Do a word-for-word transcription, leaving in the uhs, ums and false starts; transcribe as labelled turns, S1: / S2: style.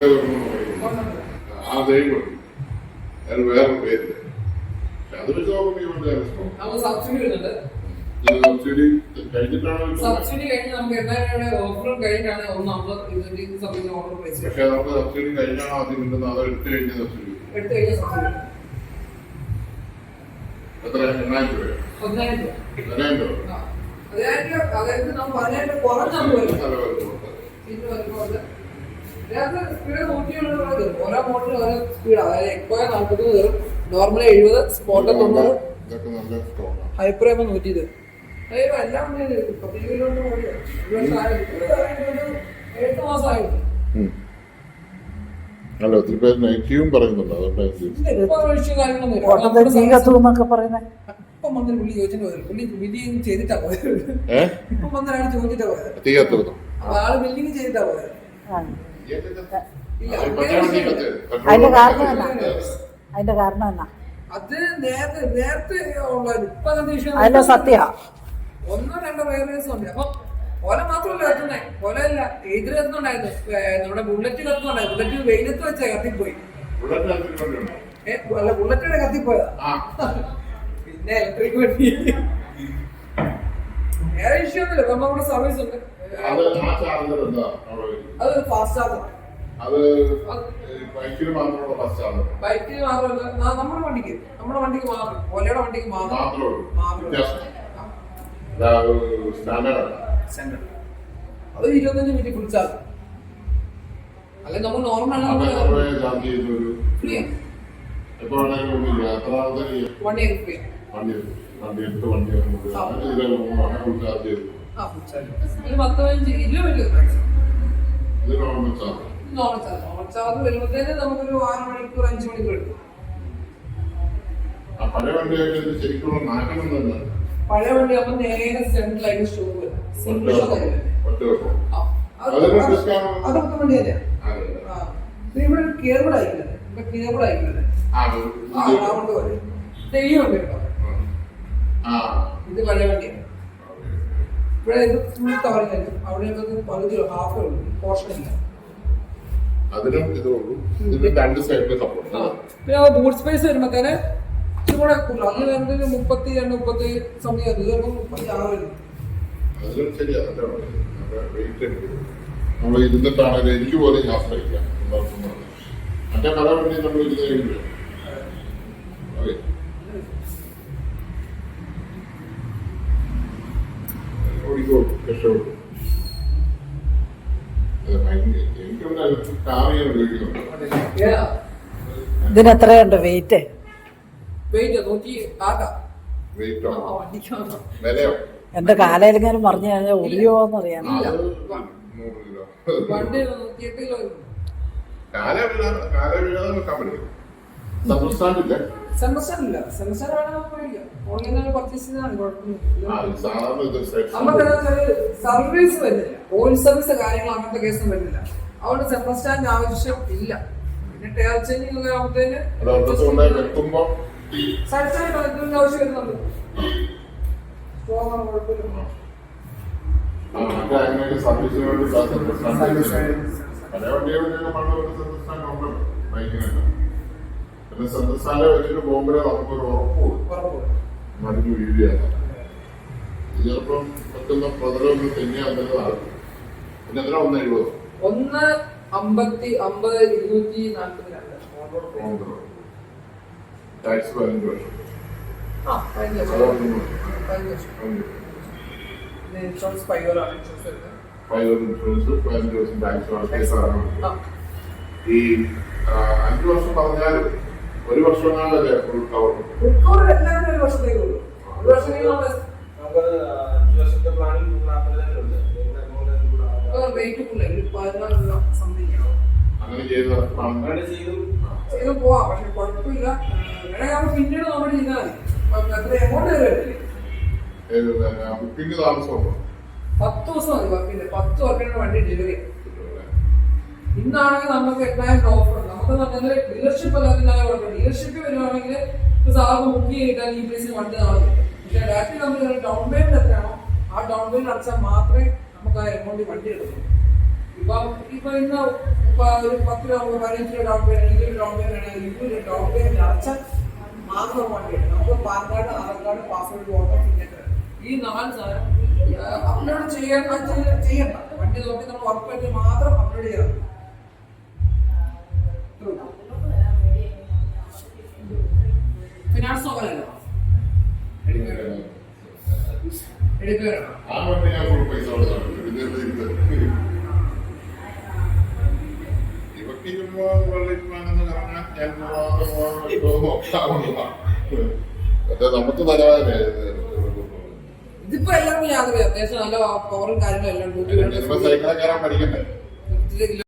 S1: ആ ദൈവം അത് വേറെ പേരില്ല. അത് വെച്ച് നോക്കുമ്പോൾ
S2: സബ്സിഡി വരുന്നുണ്ട്.
S1: സബ്സിഡി കഴിഞ്ഞിട്ടാണ്
S2: സബ്സിഡി കഴിഞ്ഞ് നമുക്ക് എണ്ണയുടെ ഓഫറും കഴിഞ്ഞാണ് ഒന്ന് അമ്പത് ഇരുപത്തി സംതിങ് ഓഫർ പ്രൈസ്.
S1: പക്ഷെ നമുക്ക് സബ്സിഡി കഴിഞ്ഞാണ് ആദ്യം കിട്ടുന്നത്. അത് എടുത്തു കഴിഞ്ഞ സബ്സിഡി
S2: എടുത്തു കഴിഞ്ഞ സബ്സിഡി
S1: എത്ര? എണ്ണായിരം രൂപ.
S2: പതിനായിരം രൂപ.
S1: പതിനായിരം രൂപ.
S2: പതിനായിരം രൂപ. അതായത് നമ്മൾ പതിനായിരം രൂപ കുറഞ്ഞാണ് വരുന്നത്. സ്പീഡ് നൂറ്റിയുള്ള ഓരോ മോഡലും ഓരോ സ്പീഡാണ്. അതായത് എക്കോ നാൽപ്പത് കയറും, നോർമൽ എഴുപത്, സ്പോട്ട് തൊണ്ണൂറ്, ഹൈപ്പർ ആകുമ്പോൾ നൂറ്റി ഇരുപത്. എല്ലാം എട്ട് മാസമായിരുന്നു.
S1: അല്ല ഒത്തിരി പേര് നെഗറ്റീവും പറയുന്നുണ്ട്.
S2: ഇപ്പം വന്നൊരു പുള്ളി ചോദിച്ചിട്ട് പോയത് പുള്ളി ബില്ലിങ് ചെയ്തിട്ടാ പോയത്. ഇപ്പം വന്നൊരാൾ ചോദിച്ചിട്ടാ പോയത്.
S1: തീ കത്തുന്നു.
S2: ആള് ബില്ലിങ് ചെയ്തിട്ടാ പോയത്.
S3: അതിന്റെ കാരണം എന്നാ അതിന്റെ കാരണം എന്നാ
S2: അത് നേരത്തെ നേരത്തെ ഉള്ളത് ഇപ്പൊ
S3: അതിന്റെ സത്യ
S2: ഒന്നോ രണ്ടോ വയറേഴ്സ് ഉണ്ട്. അപ്പൊ ഓല മാത്രമല്ല കത്തുന്നേ, ഓലല്ല എതിര് കത്തുന്നുണ്ടായിരുന്നു. നമ്മുടെ ബുള്ളറ്റ് കത്തുന്നുണ്ടായിരുന്നു. ബുള്ളറ്റ് വെയിലത്ത് വെച്ചാ കത്തിപ്പോയി. അല്ല ബുള്ളറ്റിന്റെ കത്തിപ്പോയതാ. പിന്നെ ഇലക്ട്രിക് വണ്ടി വേറെ ഇഷ്യൂ ഒന്നുമില്ല. ഇപ്പൊ നമ്മുടെ സർവീസ് ഉണ്ട്. അത് ഫാസ്റ്റ് ചാർജർ. ബൈക്കിന് മാത്രമല്ല നമ്മുടെ വണ്ടിക്ക് നമ്മുടെ വണ്ടിക്ക് മാത്രം ഓലയുടെ വണ്ടിക്ക് മാത്രം അത് ഇരുപത്തഞ്ച് മിനിറ്റ് ഫുൾ ചാർജ്. അല്ലെ നമ്മൾ normal free one year free. പത്ത് പതിനഞ്ച് ഇരുപത് നോർമൽ ചാർജ്. നോർമൽ ചാർജ് വരുമ്പോഴത്തേന് നമുക്കൊരു ആറ് മണിക്കൂർ അഞ്ചു മണിക്കൂർ എടുക്കും. പഴയ വണ്ടി അപ്പൊ നേരെ സെൻട്രലായിട്ട് ഷോ വരും. അതൊക്കെ വണ്ടി തന്നെയാ. ഇവിടെ കേബിൾ ആയിക്കുന്നത് ഇവിടെ കേബിൾ ആയിക്കുന്നത് അതുകൊണ്ട് പോലെ തെയ്യമുണ്ട് കേട്ടോ. ഇത് പഴയ വണ്ടിയാണ്. ഇവിടെ ഇത് ഫുൾ കവറിങ് ആയിരിക്കും. അവിടെ പകുതി ഹാഫ് ഉള്ളൂ, പോർഷൻ ഇല്ല.
S1: അതിനും ഇതുള്ളൂ. ഇതിന് രണ്ട് സൈഡിൽ സപ്പോർട്ട്.
S2: പിന്നെ ബൂട്ട് സ്പേസ് വരുമ്പോഴത്തേന് ഇച്ചിരി കൂടുതൽ. അന്ന് വരുന്നത് മുപ്പത്തി രണ്ട് മുപ്പത്തി സമയം അത് ചിലപ്പോൾ മുപ്പത്തി ആറ് വരും.
S1: അതിലും ശരിയാ. നമ്മൾ ഇരുന്നിട്ടാണെങ്കിൽ എനിക്ക് പോലും ആശ്രയിക്കാം. മറ്റേ പല വണ്ടി നമ്മൾ ഇരുന്ന് കഴിയുമ്പോൾ ഓടിക്കോളൂ, രക്ഷപ്പെടും.
S3: ഇതിന് എത്രയുണ്ട് വെയിറ്റ്? എന്റെ കാലയിലെങ്കിലും പറഞ്ഞു കഴിഞ്ഞാൽ ഒടിയോന്ന് അറിയാൻ.
S2: സർവീസ് വരുന്നില്ല, ഓയിൽ സർവീസ് കാര്യങ്ങൾ അങ്ങനത്തെ കേസും വരുന്നില്ല. അതുകൊണ്ട് സെൻട്രൽ സ്റ്റാൻഡ് ആവശ്യം ഇല്ല. പിന്നെ ടയർ ചേഞ്ചിങ് ആകുമ്പോഴത്തേന് ആവശ്യം വരുന്നുണ്ട്.
S1: പിന്നെ സംസ്ഥാനം വെച്ചിട്ട് പോകുമ്പോഴേ നമുക്കൊരു ഉറപ്പ് മടിഞ്ഞു വീഴുകയാണ്. ചിലപ്പം പറ്റുന്ന പതിനൊന്ന് തെങ്ങിയാൽ നല്ലതാണ്. പിന്നെ എത്ര ഒന്ന് എഴുപത്
S2: ഒന്ന് അമ്പത്തി അമ്പത് ഇരുന്നൂറ്റി നാൽപ്പത്തി രണ്ട്
S1: ടാക്സ് പതിനഞ്ച് വർഷം.
S2: ഇൻഷുറൻസ് ഫൈവ് ഇയർ ആണ്.
S1: ഫൈവ് ഇയർ ഇൻഷുറൻസ്, പതിനഞ്ച് വർഷം ടാക്സ് ആണ്. ഈ അഞ്ചു വർഷം പറഞ്ഞാൽ ഒരു വർഷം എങ്ങാണ്ടല്ലേ ഫുൾ കവർ?
S2: ഫുൾ കവർ എല്ലാവരും ഒരു വർഷത്തേക്ക് ഉള്ളൂ. ഒരു വർഷത്തേക്ക് റേറ്റ് കൂടുതൽ പതിനാല് സംതിങ്
S1: അങ്ങനെ ചെയ്ത്
S2: ചെയ്ത് പോവാം. പക്ഷെ കുഴപ്പമില്ല. വേണമെങ്കിൽ പിന്നീട് നമ്മൾ ചെയ്താൽ മതി. എത്ര എമൗണ്ട് വരില്ലേ?
S1: ബുക്കിംഗ് താമസമുണ്ടോ?
S2: പത്ത് ദിവസം മതി. വർക്കിന്റെ പത്ത് വർക്കിന്റെ വണ്ടി ഡെലിവറി. ഇന്നാണെങ്കിൽ നമുക്ക് എട്ടായിരം ഓഫർ ഉണ്ട്. നമുക്ക് പറഞ്ഞാൽ ഡീലർഷിപ്പ് അല്ലാതെ ഡീലർഷിപ്പ് വരുവാണെങ്കിൽ സാറിന് ബുക്ക് ചെയ്താൽ ഈ പ്ലേസിൽ വണ്ടി നാളെ കിട്ടും. പക്ഷെ ഡയറക്റ്റ് നമ്മൾ ഡൗൺ പേയ്മെന്റ് എത്രയാണോ ആ ഡൗൺ പേയ്മെന്റ് അടച്ചാൽ മാത്രമേ നമുക്ക് ആ എമൗണ്ട് വണ്ടി എടുക്കും. ഇപ്പൊ ഇപ്പൊ ഇന്ന് ഇപ്പൊ ഒരു പത്ത് രൂപ പതിനഞ്ച് രൂപ ഡൗൺ പേയ്മെന്റ് ഇരുപത് ഡൗൺ പേയ്മെന്റ് ആണെങ്കിൽ ഇരുപത് ഡൗൺ പേയ്മെന്റ് അടച്ച മാത്രം വേണ്ടി നമുക്ക് PAN card Aadhaar card password voter signature ഈ നാല് സാധനം അപ്ലോഡ് ചെയ്യാൻ ചെയ്യണ്ട. വണ്ടി നോക്കി നമ്മൾ ഉറപ്പായിട്ട് മാത്രം അപ്ലോഡ് ചെയ്യണം. ഫിനാൻസ് നോക്കാനല്ലോ എടുക്കുകയാണോ?
S1: ആ വണ്ടി ഞാൻ ഫുൾ പൈസ കൊടുത്താണ്. ഇവക്ക് ചുമ്മാ വെള്ളിപ്പാനെന്ന് പറഞ്ഞാൽ ഞാൻ നോക്കാവുന്നതാണ്. പക്ഷെ നമുക്ക് തരാതെ
S2: ഇതിപ്പോ എല്ലാവർക്കും യാതൊരു അത്യാവശ്യം നല്ല പവറും കാര്യങ്ങളും എല്ലാം
S1: സൈക്കിളെ കയറാൻ പഠിക്കണ്ടേ.